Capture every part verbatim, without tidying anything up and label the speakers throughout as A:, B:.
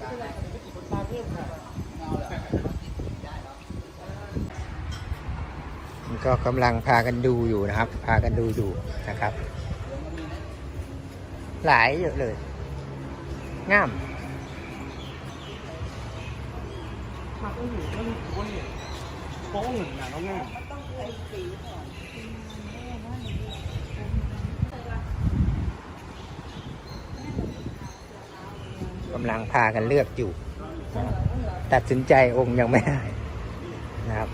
A: ก็กำลังพากันดูอยู่นะครับ พากันดูอยู่นะครับ หลายเยอะเลยงาม
B: มาก็อยู่ก็รู้ว่าเนี่ยโป้งหนึ่งนะแล้วง่าย
A: กำลังพากันเลือกอยู่นะครับตัดสินใจองค์ยังไม่ได้นะครับ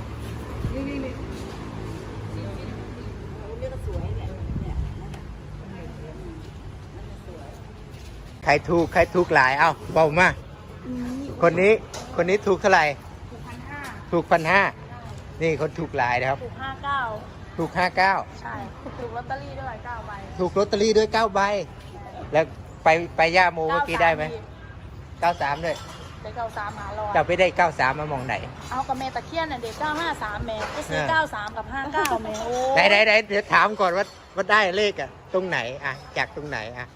A: ใครถูกใครถูกหลายเอ้าเบามาคนนี้คนนี้ถูกเท่าไหร่ถูกพันห้านี่คนถูกหลายนะครับ
C: ถูกห้าเก้า
A: ถูกห้าเก้า
C: ใช่ถูกลอตเตอรี่ด้วยเก้าใบ
A: ถูกลอตเตอรี่ด้วยเก้าใบแล้วไปไปย่าโมเมื่อกี้ได้ไหมเก้าสามด้วย
C: ได้เก้าสามหาลอย
A: จะไปได้เก้าสามมามองไหน
C: เอากับแม่ตะเคียนน่ะเด็กเก้าห้าสามแม่ก็ซื้อเก้าสามกับห้าเก้าแม่โอ้
A: ไหนไหนไหนเดี๋ยวถามก่อนว่าว่าได้เลขอะตรงไหนอะจากตรงไหนอะ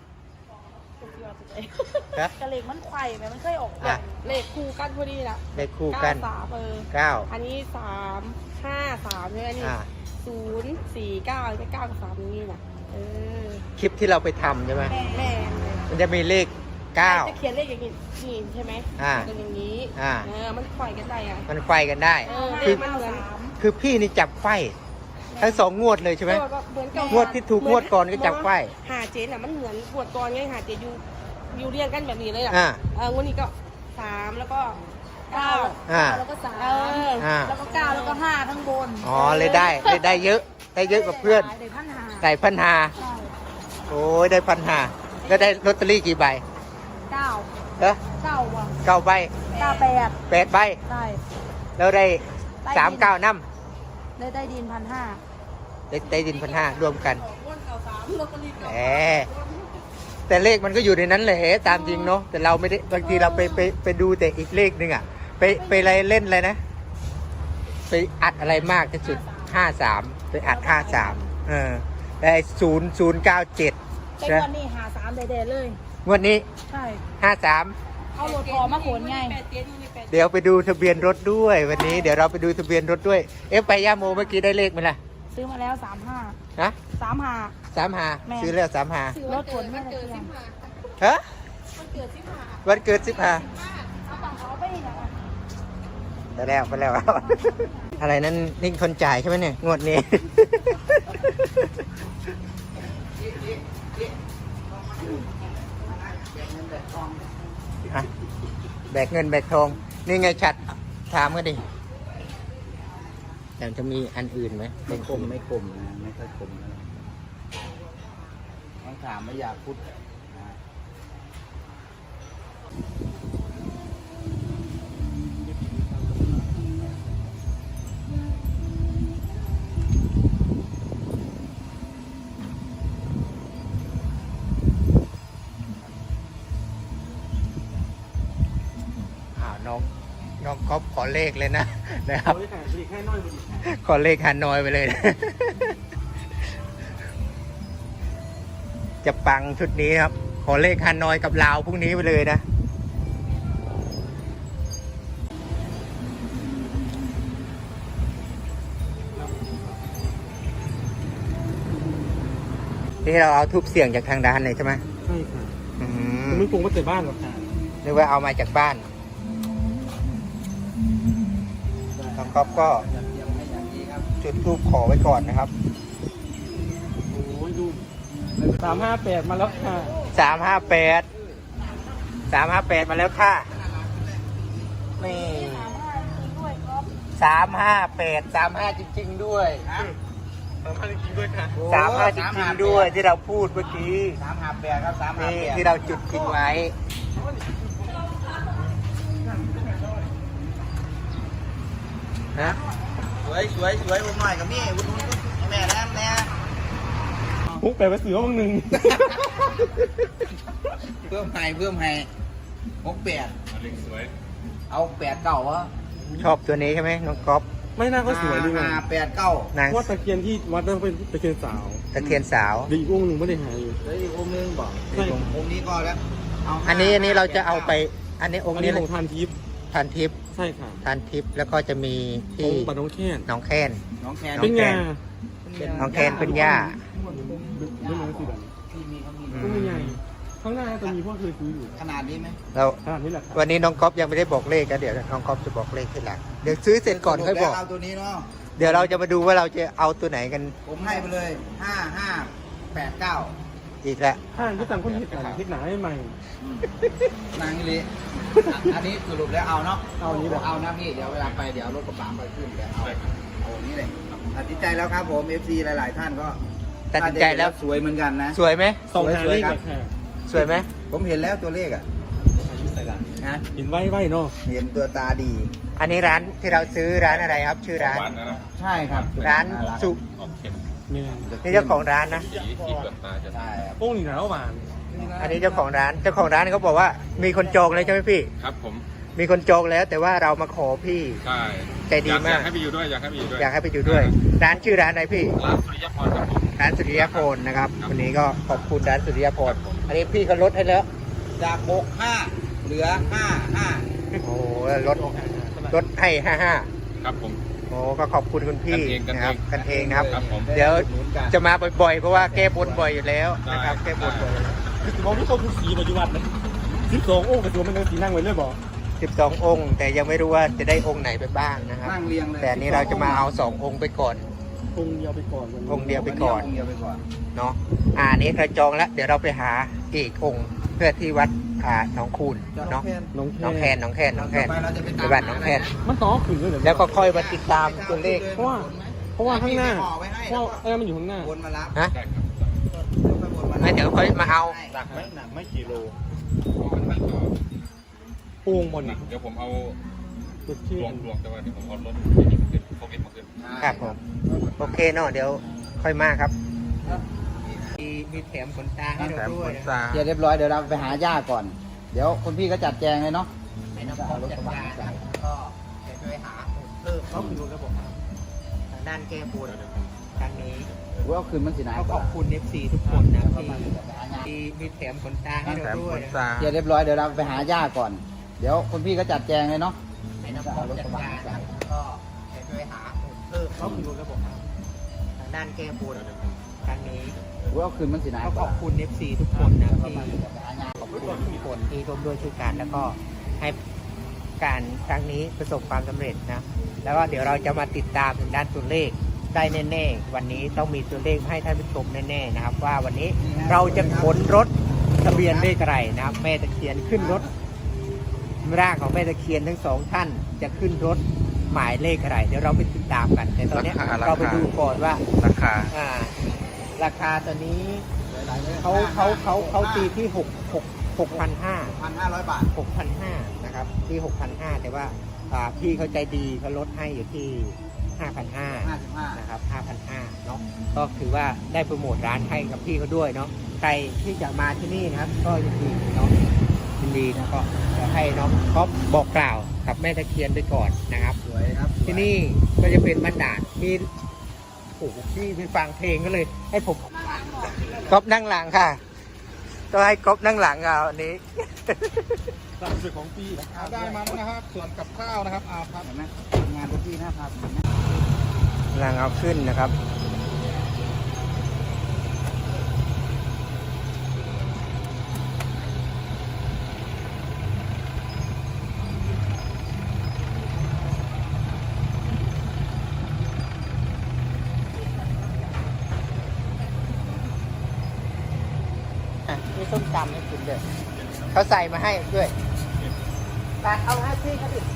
C: กระเลขมันไข่แม่มันเคยออกแบบเลขคู่กันพอดีนะ
A: เลขคู่กัน
C: เก้าสามเออ
A: เก้า
C: อันนี้สามห้าสามเนี่ยนี่ศูนย์สี่เก้าจะเก้ากับสามนี่นะเออ
A: คลิปที่เราไปทำใช่ไหม
C: แม่
A: มันจะมีเลขเก้า
C: จะเขียนเลขอย่างนี้นี่ใช่ไหม
A: อ่า
C: เป็นอย่างนี้
A: อ่า
C: เออมันไข่กันได้อะ
A: มันไฟกันได้
C: คือมันเหมือน
A: คือพี่นี่จับไฟทั้งสองงวดเลยใช่ไหมงวดที่ถูกงวดก่อนก็จับไฟ
C: หาเจนอ่ะมันเหมือนงวดก่อนไงหาเจนอยู่อยู่เรียงกันแบบนี้เลยอ่ะเอองวดนี้ก็สามแล้วก็เก้าแล้วก็สามแล้วก็เก้าแล้วก็ห้าทั้งบน
A: อ๋อเลยได้เลยได้เยอะได้เยอะกว่าเพื่อน
C: ได้พันหา
A: ได้พันหาโอ้ยได้พันหาแล้วได้ลอตเตอรี่กี่ใบ
C: เก้า
A: เออ
C: เก้าว่ะ
A: เก้าใบ
C: เก้าแปด
A: แปดใบ
C: ใช่
A: แล้วได้สามเก้าน้
C: ำได้ได้ดินพันห้า
A: ได้ได้ดินพันห้ารวมกันแหมแต่เลขมันก็อยู่ในนั้นแหละตามจริงเนาะแต่เราไม่ได้บางทีเราไปไปไปดูแต่อีกเลขหนึ่งอ่ะไปไปอะไรเล่นอะไรนะไปอัดอะไรมากที่สุดห้าสามไปอัดห้าสามเออได้ศูนย์ศูนย์เก้าเจ็ด
C: แต่วันนี้หาสามเด็ดเลย
A: วันนี้
C: ใช่
A: ห้าสาม
C: เอารถพอมาขนไง
A: เดี๋ยวไปดูทะเบียนรถด้วยวันนี้เดี๋ยวเราไปดูทะเบียนรถด้วยเอ๊ะไปย่าโมเมื่อกี้ได้เลขไหมล่ะ
C: ซื้อมาแล้วสามห้า
A: ฮะ
C: สามห้า
A: สามห้าซื้อแล้วสามห้าร
C: ถขนไม่ได้เที่ยง
A: ฮะวันเกิดสิบห้าไปแล้วไปแล้วอะไรนั้นนี่คนจ่ายใช่ไหมเนี่ยงวดนี้แบกเงินแบกทองนี่ไงชัดถามกันดิแต่จะมีอันอื่นไหม
B: ไม่คมไม่คมนะไม่ค่อยคมนะต้องถามไม่อยากพูด
A: น้องน้องก๊อฟขอเลขเลยนะนะครับขอเลขฮานอยไปเลยจะปังชุดนี้ครับขอเลขฮานอยกับลาวพรุ่งนี้ไปเลยนะที่เราเอาทุบเสียงจากทางด้านเลยใช่ไหม
B: ใช่ค่ะไม่ปรุงมาแต่บ้านหรอกค่ะ
A: หรือว่าเอามาจากบ้านน้องก๊อฟก็จุดธูปขอไว้ก่อนนะครับ
B: โอ้ยดูสามห้าแปดมาแล้วค่ะ
A: สามห้าแปดสามห้าแปดมาแล้วค่ะนี่สามห้าแปดสามห้าจริงๆด้วย
B: สามห้าจริงๆด้วยค่ะ
A: สามห้าจริงๆด้วยที่เราพูดเมื่อกี้
B: สามห้าแปดครับสามห้าแปด
A: ที่เราจุดทิ้งไว้นะ
B: สวยสวยสวยผมหน่อยกับนี่วุ้นวุ้นแม่แล้วแม่พุกแปลว่าเสือมึงหนึ่งเพิ่มให้เพิ่มให้หกแปดเอาแปดเก้าวะ
A: ชอบตัวนี้ใช่ไหมน้องก๊อฟ
B: ไม่น่าก็สวยดีไง
A: แปดเก้า
B: ว่าตะเคียนที่วัดนั้นเป็นตะเคียนสาว
A: ตะเคียนสาว
B: ดีอีกองค์หนึ่งไม่ได้หายอยู่
A: อีกองค์นึงบอก
B: องค์นี้ก็แล้ว
A: อันนี้อันนี้เราจะเอาไปอันนี้อง
B: อั
A: ค์
B: น
A: นี้
B: นี้ของทานทิพย์
A: ทานทิพย์
B: ใช่ค่ะ
A: ทานทิพย์แล้วก็จะมี
B: ขอ
A: ที่
B: งบัตรน้องแค้น
A: หน้องแค้น
B: น้องแคน
A: น้
B: เป็
A: อง
B: น
A: แคน
B: ยา
A: น้องแคนเป็นย่า
B: ไม่รู้สิแบบ
A: อื
B: ตู้
A: ม
B: ใหญ่ข้างหน้าจะมีพวกเคยซื้ออยู่
D: ขนาดนี้ไหม
A: แล้ว
B: ขนาดนี้แหละครับ
A: วันนี้น้องก๊อฟยังไม่ได้บอกเลขกันเดี๋ยวน้องก๊อฟจะบอกเลขทีหลังเดี๋ยวซื้อเสร็จก่อนค่อยบอก
D: เอาตัวนี้เนาะ
A: เดี๋ยวเราจะมาดูว่าเราจะเอาตัวไหนกัน
D: ผมให้ไปเลยห้าห้าแปดเก้า
A: อีกแล้ว
B: ห้างที่ต่างคนที่ต่างที่หนาให้ใหม่
D: นางลิอันนี้สรุปแล้วเอาเนาะ
B: เอาอันนี้แหละ
D: เอานะพี่ เดี๋ยวเวลาไปเดี๋ยวเอารถกระบะไปขึ้นเดี๋ยวเอาเอาอันนี้เลยตัดสินใจแล้วครับผม เอฟ ซี หลาย ๆ ท่านก็
A: ตัดสินใจแล้ว
D: สวยเหมือนกันนะ
A: สวยไหม
B: สองหา
D: สวย
B: เลข
D: ๆครับ
B: ค่ะ
A: สวยไหม
D: ผมเห็นแล้วตัวเลขอ่ะนะ
B: เห็นไว้ไว้เนาะ
D: เห็นตัวตาดี
A: อันนี้ร้านที่เราซื้อร้านอะไรครับ ชื่อร้าน
D: ใช่ครับ
A: ร้านสุ
B: เนี่ย
A: นี่เจ้าของร้านนะ
D: ใช่ครับ
B: โอ้งนี่หนาวหวาน
A: อันนี้เจ้าของร้านเจ้าของร้านเขาบอกว่ามีคนจองเลยใช่ไหมพี่
E: ครับผม
A: มีคนจองแล้วแต่ว่าเรามาขอพี่
E: ใช่
A: ใจดีมาก
E: อยากให้ไปอยู่ด้วยอยากให้ไปอยู่ด้วย
A: อยากให้ไปอยู่ด้วย ร้านชื่อร้านอะไรพี่
E: ร้านสุริยพรครับผม
A: ร้านสุริยพลนะครับวันนี้ก็ขอบคุณร้านสุริยพลอันนี้พี่เขาลดให้แล้ว
D: จากหกห้าเหลือห้าห้า
A: โอ้โหลดลดให้ห้าห้า
E: ครับผม
A: โอ้ก็ขอบคุณคุณพี่
E: กันเอง
A: นะครับกันเองนะครับ
E: ครับผม
A: เดี๋ยวจะมาบ่อยๆเพราะว่าแก้บนบ่อยอยู่แล้วนะครับ
E: ได้
A: แก้บนบ่อย
B: คือมองที่เขาคือสีปัจจุบันนะสิบสองโอ้งกระตัวมันเป็นสีนั่งไว้เลยบอก
A: สิบสององค์ แต่ยังไม่รู้ว่าจะได้องค์ไหนไปบ้างนะครับ
D: นั่งเรียงเลย
A: แต่อันนี้เราจะมาเอาสององค์ไปก่อน
B: องค์เดียวไปก่อนวันนี้
A: องค์เดียวไปก่อน
D: งค์เดียวไปก่อน
A: เนาะอ่าอันนี้เราจองแล้วเดี๋ยวเราไปหาอีกองค์เพื่อที่วัดอ่าหนองคูนเนาะ
B: น้อง
A: หน้องแคนหน้องแคนหน้องแคน
D: ต่อไปเราจะไป
A: ไป
D: ตาม
A: บ้านหน้องแคน
B: มันต่อขึ้นเลยเหรอ
A: แล้วก็ค่อยมาติดตามตัวเลข
B: เพราะว่าเพราะว่าข้างหน้าเพราะว่าไอ้นั่นมันอยู่ข้างหน้า
D: วนมารับ
A: ฮะ
E: ได้ครับ
A: แล้วเดี๋ยวค่อยมาเอา
E: หนักไหมหนักไม่กี่โล
B: โอ่งบน
E: หนั
B: นี่
E: กเดี๋ยวผมเอา
B: จุดที่
E: รวมรวมแต่ว่าเดี๋ยวผมเอารถไปนี่มาขึ้นโควิดมาขึ้น
A: ครับผมโอเคเนาะเดี๋ยวค่อยมาครับมีมีแถมขนตาให้เราด้วยนะ
D: เสร็จเรียบร้อยเดี๋ยวเราไปหาย่าก่อน เดี๋ยวคุณพี่ก็จัดแจงเลยเนาะ
A: ให้น้องพบจัดการนะก็เดี๋ยวจะไปหาเพิ่มเขาคือระบบทางด้านแก้บนทางนี้
D: ว่าคืนมันสินาย
A: ก็
D: ก
A: ข
D: ว่า
A: อบคุณ เอฟ ซี ทุกคนนะที่ที่มีแถมขนตาให้เราด้วยนะ
D: เสร็จเรียบร้อยเดี๋ยวเราไปหาย่าก่อน เดี๋ยวคุณพี่ก็จัดแจงเลยเนาะ
A: ให้น้องพบจัดการนะก็เดี๋ยวจะไปหาเพิ่มเขาคือระบบทางด้านแก้บนทางนี้
D: ว่าคืนมันสินาย
A: ก็
D: ก
A: ข
D: ว่า
A: อบคุณ เอฟ ซี ทุกคนนะที่ขอบคุณทุกคนที่ร่วมด้วยช่วยกันแล้วก็ให้การครั้งนี้ประสบความสำเร็จนะแล้วก็เดี๋ยวเราจะมาติดตามถึงด้านตัวเลขได้แน่ๆวันนี้ต้องมีตัวเลขให้ท่านผู้ชมแน่ๆนะครับ ว่าวันนี้เราจะขนรถทะเบียนเลขอะไรนะครับแม่ตะเคียนขึ้นรถร่างของแม่ตะเคียนทั้งสองท่านจะขึ้นรถหมายเลขอะไรเดี๋ยวเราไปติดตามกัน แต่ตอนนี้เราไปดูก่อนว่า
E: ราคา
A: อ่าราคาตอนนี้เขาเขาเขาเขาตีที่หกหกหกพันห้า
D: พันห้าร้อยบาท
A: หกพันห้านะครับที่หกพันห้าแต่ว่าอ่าพี่เขาใจดีเขาลดให้อยู่ที่ห้าพันห้า
D: ห้าสิบห้า
A: นะครับห้าพันห้าเนาะก็ถือว่าได้โปรโมทร้านให้กับพี่เขาด้วยเนาะใครที่จะมาที่นี่นะครับ ก็ยินดีเนาะยินดีนะก็จะให้น้องก๊อฟบอกกล่าวกับแม่ตะเคียนไปก่อนนะครับ
D: สวยครับ
A: ที่นี่ก็จะเป็นบรรดาลมีโอ้โหพี่ไปฟังเพลงก็เลย ให้ผมก๊อฟนั่งหลังค่ะก็ให้ก๊อฟนั่งหลังเอาอันนี้
B: ตามสุดของปีนะ
D: ได้มาแล้วนะครับ ส่วนกับข้าวนะครับอาครับเห็นไหมงานทุกที่นะครับ
A: หลังเอาขึ้นนะครับอ่ะมีส้มตำให้กินด้วยเขาใส่มาให้ด้วยไปเอาให้พี่เขาดิ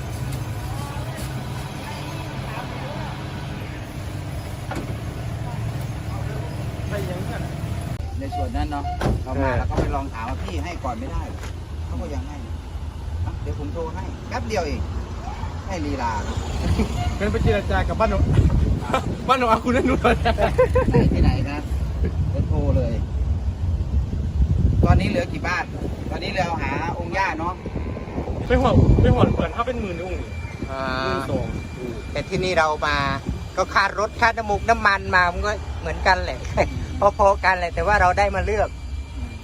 D: ในส่วนนั้นเนาะเรามาแล้วก็ไปลองถามว่าพี่ให้ก่อนไม่ได้เขาก็ยังให้อ่ะเดี๋ยวผมโทรให้แป๊บเดียวเองให้ลีลา
B: เป็นไปเจรจากับบ้านหนูบ้านหนูอาคุณนั่นนู่น
D: ไหนที่ไหนนะเดี๋ยวโทรเลย ตอนนี้เหลือกี่บ้าน ตอนนี้เราหาองค์ย่าเนาะ
B: ไม่หัวไม่หัวเปิดถ้าเป็นหมื่นองค์
A: อ่า
B: หมื่นสอง
A: แต่ที่นี่เรามาก็ค่ารถค่าน้ำมูกน้ำมันมามันก็เหมือนกันแหละ พอๆกันแหละแต่ว่าเราได้มาเลือก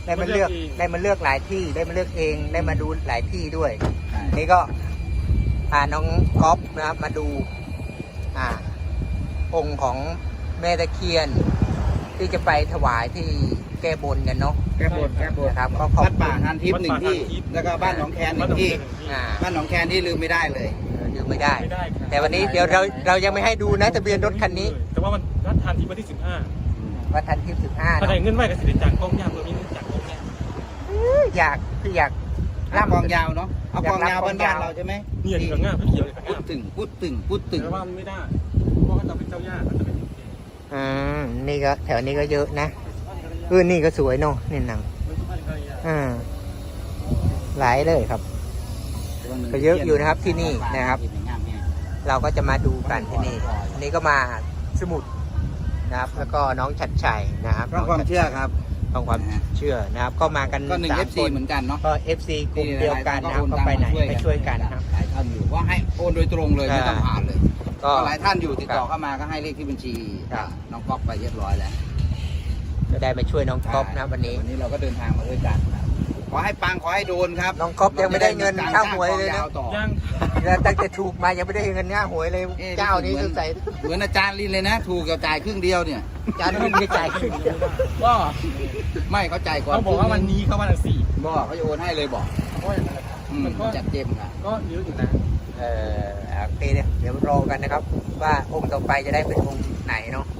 A: ได้มาเลือกได้มาเลือกหลายที่ได้มาเลือกเองได้มาดูหลายที่ด้วย
D: ใช่
A: นี่ก็พาน้องก๊อฟนะครับมาดู อ่า องค์ของแม่ตะเคียน ที่จะไปถวายที่แก้บนกันเนาะ
D: แก้บนแก้บน
A: นะครับก็ขอบ
D: วัดป่าทานทิพย์หนึ่งที่ แล้วก็บ้านหนองแคนหนึ่งที่
A: อ่า
D: บ้านหนองแคนที่ลืมไม่ได้เลย
A: ดูไม่ได้
E: ไม่ได้ครับ
A: แต่วันนี้เดี๋ยวเราเรายังไม่ให้ดูนะทะเบียนรถคันนี้
E: แต่ว่ามันรัดทานที่วันที่สิบห้า
A: ว่าทันที่สิบห้า
E: ถ้าได้เงินไว้ก็สิได้จากกองยาเพื่อมีเงินจากกองยา
A: อยากคืออยาก
D: ลากกองยาวเนาะ เอากองยาวบ้านๆเราใช่ไหม
E: เนี่ยที่กับง่าเขียวเลยกับ
D: พูด
E: ง่า
D: ตึงพูดตึงพูดตึง
E: แต่ว่ามันไม่ได้เพราะว่าเราเป็นเจ้าย่าเราจะเป็น
A: อืมนี่ก็แถวนี้ก็เยอะนะเออนี่ก็สวยเนาะนี่หนังอ่าหลายเลยครับ ก็เยอะอยู่นะครับที่นี่นะครับ เราก็จะมาดูกันที่นี่อันนี้ก็มาสมุดนะครับ แล้วก็น้องชัดชัยนะครับ
D: เพราะความเชื่อครับ
A: ของความเชื่อนะครับ ก็มากัน
D: ก็หนึ่ง
A: สา
D: เอ
A: ม
D: ฟ
A: ค
D: ซี
A: น
D: เหมือนกันเนาะ
A: ก็ เอฟ ซี กลุ่มเดียวกันนะครับก็ไปไหนไปช่วยกันนะครับ
D: หลายท่านอยู่ว่าให้โอนโดยตรงเลยไม่ต้องผ่านเลย
A: ก็
D: ก็หลายท่านอยู่ติดต่อเข้ามาก็ให้เลขที่บัญชี
A: ครับ
D: น้องก๊อฟไปเรียบร้อยแล้ว
A: จะได้มาช่วยน้องก๊อฟนะวันนี้
D: วันนี้เราก็เดินทางมาด้วยกันครับขอให้ปังขอให้โดนครับ
A: น้องก๊อฟยังไม่ได้เงินค่าหวยเลยนะ
D: ต่อ
E: ย่าง
A: แล้วตั้งแต่ถูกมายังไม่ได้เงินง่าหวยเลย
D: เอ๊ะ
A: เจ้านี้สงสัย
D: เหมือนอาจารย์ลินเลยนะ ถูกกับจ่ายครึ่งเดียวเนี่ย
A: จานนี้ไม่จ่ายขึ้น
E: ก็
D: ไม่เขาจ่ายก่อน
E: เขาบอกว่าวันนี้เขาวันละสี่
D: บอกเขาจะโอนให้เลยบอก
E: เพราะ
D: อืม
E: มันก็
D: จัดเต็มอ่ะ
E: ก็เยอะอยู่นะ
A: เออโอเคเนี่ยเดี๋ยวรอกันนะครับ ว่าองค์ต่อไปจะได้เป็นองค์ไหนเนาะ